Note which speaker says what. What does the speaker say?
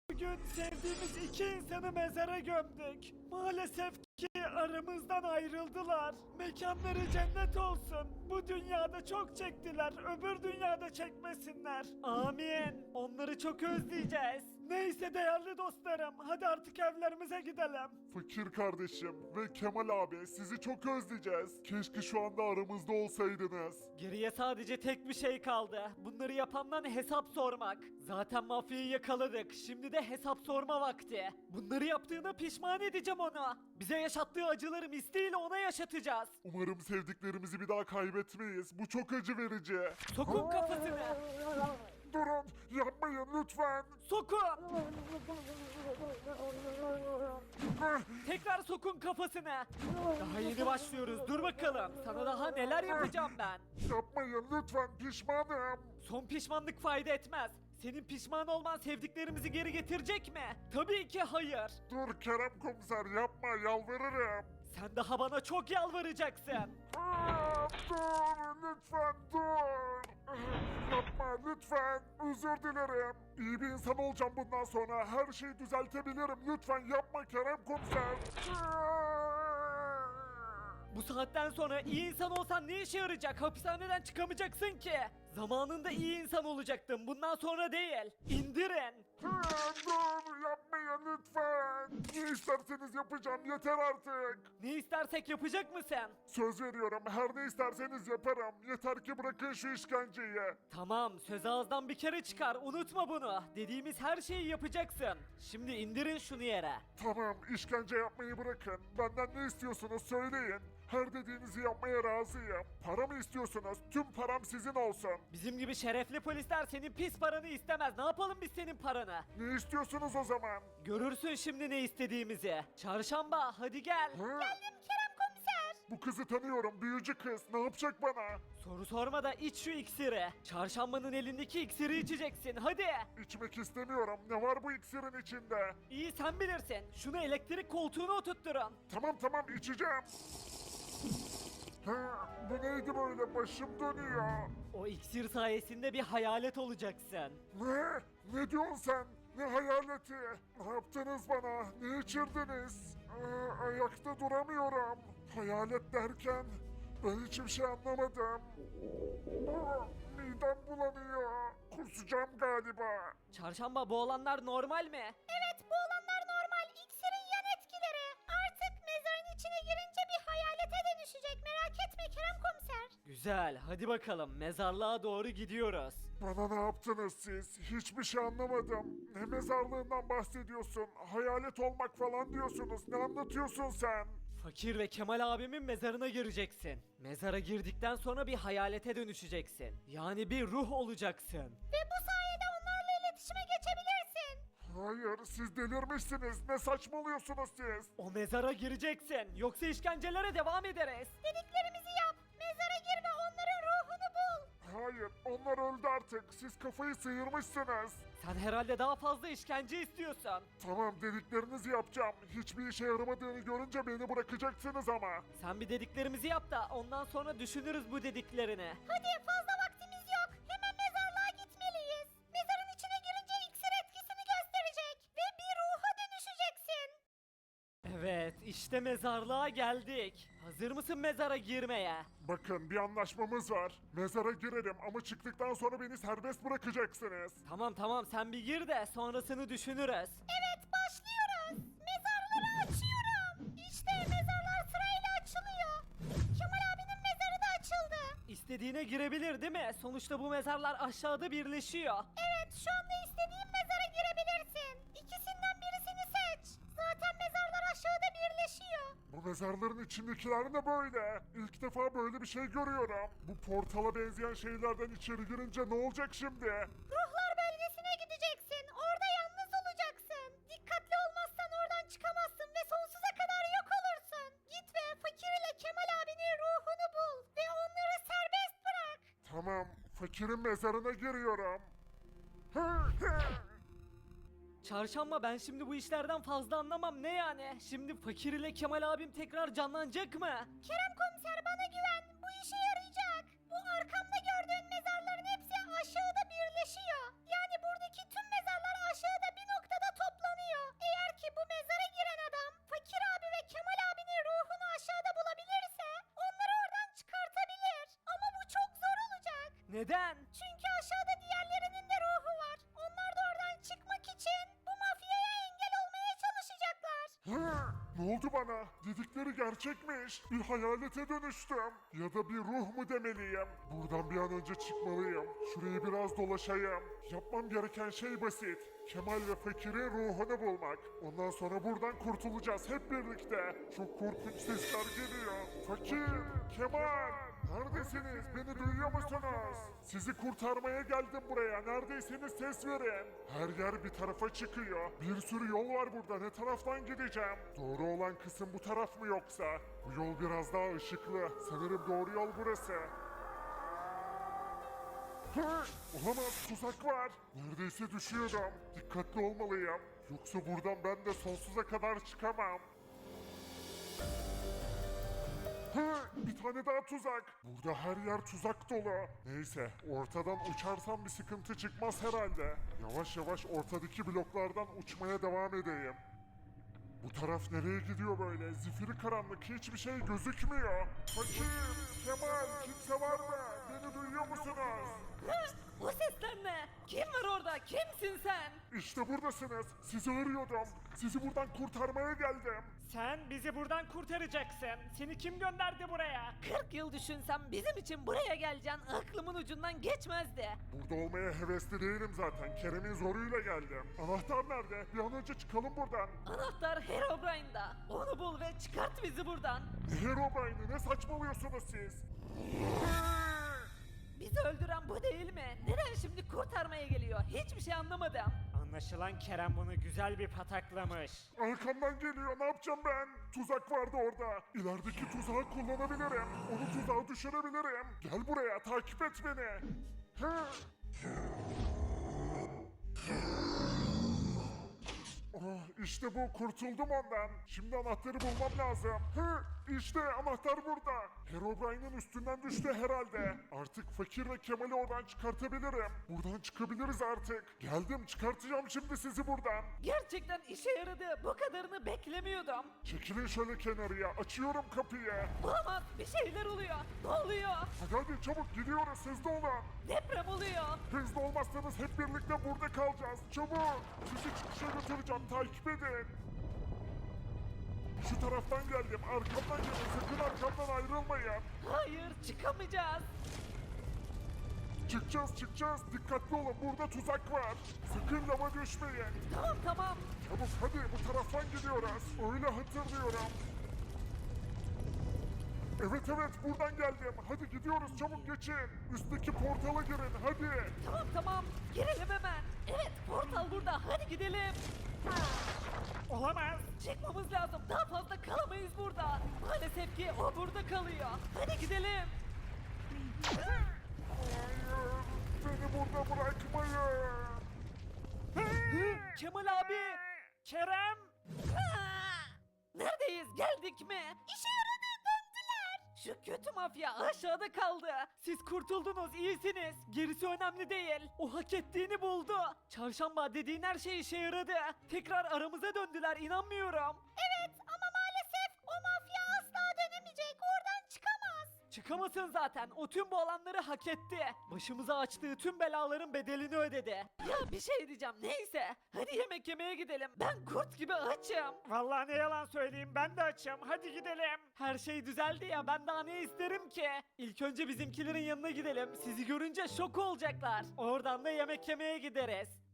Speaker 1: Bugün sevdiğimiz iki insanı mezara gömdük. Maalesef ki aramızdan ayrıldılar. Mekanları cennet olsun. Bu dünyada çok çektiler, öbür dünyada çekmesinler. Amin. Onları çok özleyeceğiz. Neyse değerli dostlarım, hadi artık evlerimize gidelim.
Speaker 2: Fakir kardeşim ve Kemal abi sizi çok özleyeceğiz. Keşke şu anda aramızda olsaydınız.
Speaker 1: Geriye sadece tek bir şey kaldı. Bunları yapandan hesap sormak. Zaten mafyayı yakaladık. Şimdi de hesap sorma vakti. Bunları yaptığına pişman edeceğim onu. Bize yaşattığı acıları misliyle ona yaşatacağız.
Speaker 2: Umarım sevdiklerimizi bir daha kaybetmeyiz. Bu çok acı verici.
Speaker 1: Sokun kafasını.
Speaker 2: Durun, yapmayın lütfen.
Speaker 1: Sokun. Tekrar sokun kafasını. Daha yeni başlıyoruz. Dur bakalım. Sana daha neler yapacağım ben.
Speaker 2: Yapmayın lütfen, pişmanım.
Speaker 1: Son pişmanlık fayda etmez. Senin pişman olman sevdiklerimizi geri getirecek mi? Tabii ki hayır.
Speaker 2: Dur Kerem komiser, yapma, yalvarırım.
Speaker 1: Sen daha bana çok yalvaracaksın.
Speaker 2: Dur lütfen, dur. Yapma lütfen, özür dilerim. İyi bir insan olacağım bundan sonra. Her şeyi düzeltebilirim. Lütfen yapma Kerem komiser.
Speaker 1: Bu saatten sonra iyi insan olsan ne işe yarayacak? Hapishaneden çıkamayacaksın ki. Zamanında iyi insan olacaktın. Bundan sonra değil. İndirin.
Speaker 2: Dur yapmayın lütfen. Ne isterseniz yapacağım, yeter artık.
Speaker 1: Ne istersek yapacak mısın?
Speaker 2: Söz veriyorum, her ne isterseniz yaparım. Yeter ki bırakın şu işkenceyi.
Speaker 1: Tamam, söz ağızdan bir kere çıkar. Unutma bunu. Dediğimiz her şeyi yapacaksın. Şimdi indirin şunu yere.
Speaker 2: Tamam, işkence yapmayı bırakın. Benden ne istiyorsunuz söyleyin. Her dediğinizi yapmaya razıyım. Para mı istiyorsunuz? Tüm param sizin olsun.
Speaker 1: Bizim gibi şerefli polisler senin pis paranı istemez. Ne yapalım biz senin paranı?
Speaker 2: Ne istiyorsunuz o zaman?
Speaker 1: Görürsün şimdi ne istediğimizi. Çarşamba hadi gel.
Speaker 2: Geldim
Speaker 1: Kerem komiser.
Speaker 2: Bu kızı tanıyorum, büyücü kız. Ne yapacak bana?
Speaker 1: Soru sorma da iç şu iksiri. Çarşambanın elindeki iksiri içeceksin hadi.
Speaker 2: İçmek istemiyorum. Ne var bu iksirin içinde?
Speaker 1: İyi sen bilirsin. Şunu elektrik koltuğuna oturtturun.
Speaker 2: Tamam içeceğim. Ha, bu neydi böyle? Başım dönüyor.
Speaker 1: O iksir sayesinde bir hayalet olacaksın.
Speaker 2: Ne? Ne diyorsun sen? Ne hayaleti? Ne yaptınız bana? Ne içirdiniz? Ayakta duramıyorum. Hayalet derken ben hiçbir şey anlamadım. Midem bulanıyor. Kusacağım galiba.
Speaker 1: Çarşamba bu olanlar normal mi?
Speaker 3: Evet, bu olanlar normal. İksirin yan etkileri. Artık mezarın içine girince bir hayalete dönüşecek. Merak etme Kerem komiser.
Speaker 1: Güzel hadi bakalım mezarlığa doğru gidiyoruz.
Speaker 2: Bana ne yaptınız siz? Hiçbir şey anlamadım. Ne mezarlığından bahsediyorsun? Hayalet olmak falan diyorsunuz. Ne anlatıyorsun sen?
Speaker 1: Fakir ve Kemal abimin mezarına gireceksin. Mezara girdikten sonra bir hayalete dönüşeceksin. Yani bir ruh olacaksın.
Speaker 3: Ve bu sayede onlarla iletişime geçebilirsin.
Speaker 2: Hayır, siz delirmişsiniz. Ne saçmalıyorsunuz siz?
Speaker 1: O mezara gireceksin. Yoksa işkencelere devam ederiz.
Speaker 3: Dediklerimizi yap. Mezara gir ve onların ruhunu bul.
Speaker 2: Hayır, onlar öldü artık. Siz kafayı sıyırmışsınız.
Speaker 1: Sen herhalde daha fazla işkence istiyorsun.
Speaker 2: Tamam, dediklerinizi yapacağım. Hiçbir işe yaramadığını görünce beni bırakacaksınız ama.
Speaker 1: Sen bir dediklerimizi yap da ondan sonra düşünürüz bu dediklerini.
Speaker 3: Hadi, fazla vaktimiz yok. Hemen mezarlığa gitmeliyiz. Mezarın içine girince iksir etkisini gösterecek. Ve bir ruha dönüşeceksin.
Speaker 1: Evet işte mezarlığa geldik. Hazır mısın mezara girmeye?
Speaker 2: Bakın, bir anlaşmamız var. Mezara girerim ama çıktıktan sonra beni serbest bırakacaksınız.
Speaker 1: Tamam sen bir gir de sonrasını düşünürüz.
Speaker 3: Evet, başlıyoruz. Mezarları açıyorum. İşte mezarlar sırayla açılıyor. Kemal abinin mezarı da açıldı.
Speaker 1: İstediğine girebilir değil mi? Sonuçta bu mezarlar aşağıda birleşiyor.
Speaker 3: Evet, şu anda istediğin mezara girebilirsin. İkisinden birisini seç. Zaten mezarlar aşağıda birleşiyor.
Speaker 2: Bu mezarların içindekiler ne böyle? İlk defa böyle bir şey görüyorum. Bu portala benzeyen şeylerden içeri girince ne olacak şimdi?
Speaker 3: Ruhlar bölgesine gideceksin. Orada yalnız olacaksın. Dikkatli olmazsan oradan çıkamazsın ve sonsuza kadar yok olursun. Git ve Fakir ile Kemal abinin ruhunu bul ve onları serbest bırak.
Speaker 2: Tamam, fakirin mezarına giriyorum.
Speaker 1: Çarşamba ben şimdi bu işlerden fazla anlamam ne yani? Şimdi Fakir ile Kemal abim tekrar canlanacak mı?
Speaker 3: Kerem komiser, bana güven. Bu işe yarayacak. Bu arkamda gördüğün mezarların hepsi aşağıda birleşiyor. Yani buradaki tüm mezarlar aşağıda bir noktada
Speaker 4: Neden?
Speaker 3: Çünkü aşağıda diğerlerinin de ruhu var. Onlar da oradan çıkmak için bu mafyaya engel olmaya çalışacaklar.
Speaker 2: Hı, ne oldu bana? Dedikleri gerçekmiş. Bir hayalete dönüştüm. Ya da bir ruh mu demeliyim? Buradan bir an önce çıkmalıyım. Şurayı biraz dolaşayım. Yapmam gereken şey basit. Kemal ve Fakir'in ruhunu bulmak. Ondan sonra buradan kurtulacağız hep birlikte. Çok korkunç sesler geliyor. Fakir, Kemal, neredesiniz? Beni duyuyor musunuz? Sizi kurtarmaya geldim buraya. Neredeyseniz ses verin. Her yer bir tarafa çıkıyor. Bir sürü yol var burada. Ne taraftan gideceğim? Doğru olan kısım bu taraf mı yoksa? Bu yol biraz daha ışıklı. Sanırım doğru yol burası. Hı, olamaz, tuzak var. Neredeyse düşüyordum. Dikkatli olmalıyım. Yoksa buradan ben de sonsuza kadar çıkamam. Hı, bir tane daha tuzak. Burada her yer tuzak dolu. Neyse, ortadan uçarsam bir sıkıntı çıkmaz herhalde. Yavaş yavaş ortadaki bloklardan uçmaya devam edeyim. Bu taraf nereye gidiyor böyle? Zifiri karanlık, hiçbir şey gözükmüyor. Fakir, Kemal, kimse var mı? Beni duyuyor musunuz?
Speaker 4: Bu sesler ne? Kim var orada? Kimsin sen?
Speaker 2: İşte buradasınız. Sizi arıyordum. Sizi buradan kurtarmaya geldim.
Speaker 1: Sen bizi buradan kurtaracaksın. Seni kim gönderdi buraya?
Speaker 4: 40 yıl düşünsem bizim için buraya geleceğin aklımın ucundan geçmezdi.
Speaker 2: Burada olmaya hevesli değilim zaten. Kerem'in zoruyla geldim. Anahtar nerede? Bir an önce çıkalım buradan.
Speaker 4: Anahtar Herobrine'da. Onu bul ve çıkart bizi buradan.
Speaker 2: Ne Herobrine'i? Ne saçmalıyorsunuz siz?
Speaker 4: Bizi öldüren bu değil mi? Neden şimdi kurtarmaya geliyor? Hiçbir şey anlamadım.
Speaker 1: Anlaşılan Kerem bunu güzel bir pataklamış.
Speaker 2: Arkamdan geliyor. Ne yapacağım ben? Tuzak vardı orada. İlerideki tuzağı kullanabilirim. Onu tuzağa düşürebilirim. Gel buraya. Takip et beni. Hı. Oh, işte bu, kurtuldum ondan. Şimdi anahtarı bulmam lazım. Hı, işte anahtar burada. Herobrine'in üstünden düştü herhalde. Artık Fakir ve Kemal'i oradan çıkartabilirim. Buradan çıkabiliriz artık. Geldim, çıkartacağım şimdi sizi buradan.
Speaker 4: Gerçekten işe yaradı. Bu kadarını beklemiyordum.
Speaker 2: Çekilin şöyle kenarıya. Açıyorum kapıyı.
Speaker 4: Olamaz. Bir şeyler oluyor. Ne oluyor?
Speaker 2: Hadi çabuk gidiyoruz, hızlı olun.
Speaker 4: Deprem oluyor.
Speaker 2: Hızlı olmazsanız hep birlikte burada kalacağız. Çabuk. Sizi çıkışa götüreceğim. Takip edin. Şu taraftan geldim. Arkamdan gelin. Sakın arkamdan ayrılmayın.
Speaker 4: Hayır, çıkamayacağız.
Speaker 2: Çıkacağız. Dikkatli olun. Burada tuzak var. Sakın lava düşmeyin.
Speaker 4: Tamam.
Speaker 2: Çabuk hadi, bu taraftan gidiyoruz. Öyle hatırlıyorum. Evet, buradan geldim. Hadi gidiyoruz, çabuk geçin. Üstteki portala girin hadi.
Speaker 4: Tamam. Girelim hemen. Evet, portal burada. Hadi gidelim.
Speaker 1: Olamaz.
Speaker 4: Çıkmamız lazım. Daha fazla kalamayız burada. Maalesef ki o burada kalıyor. Hadi gidelim.
Speaker 2: Hayır, beni burada bırakmayın.
Speaker 4: Kemal abi.
Speaker 1: Kerem.
Speaker 4: Neredeyiz? Geldik mi? İşe yaradı. Döndüler. Şu kötü mafya aşağıda kaldı.
Speaker 1: Siz kurtuldunuz, iyisiniz. Gerisi önemli değil. O hak ettiğini buldu. Çarşamba dediğin her şey işe yaradı. Tekrar aramıza döndüler, inanmıyorum.
Speaker 3: Evet ama maalesef o mafya asla dönemeyecek. Oradan çıkamaz.
Speaker 1: Çıkamasın zaten. O tüm bu alanları hak etti. Başımıza açtığı tüm belaların bedelini ödedi.
Speaker 4: Ya bir şey diyeceğim neyse. Hadi yemek yemeye gidelim. Ben kurt gibi açım.
Speaker 1: Vallahi ne yalan söyleyeyim, ben de açım. Hadi gidelim. Her şey düzeldi ya, ben daha ne isterim ki? İlk önce bizimkilerin yanına gidelim. Sizi görünce şok olacaklar. Oradan da yemek yemeye gideriz.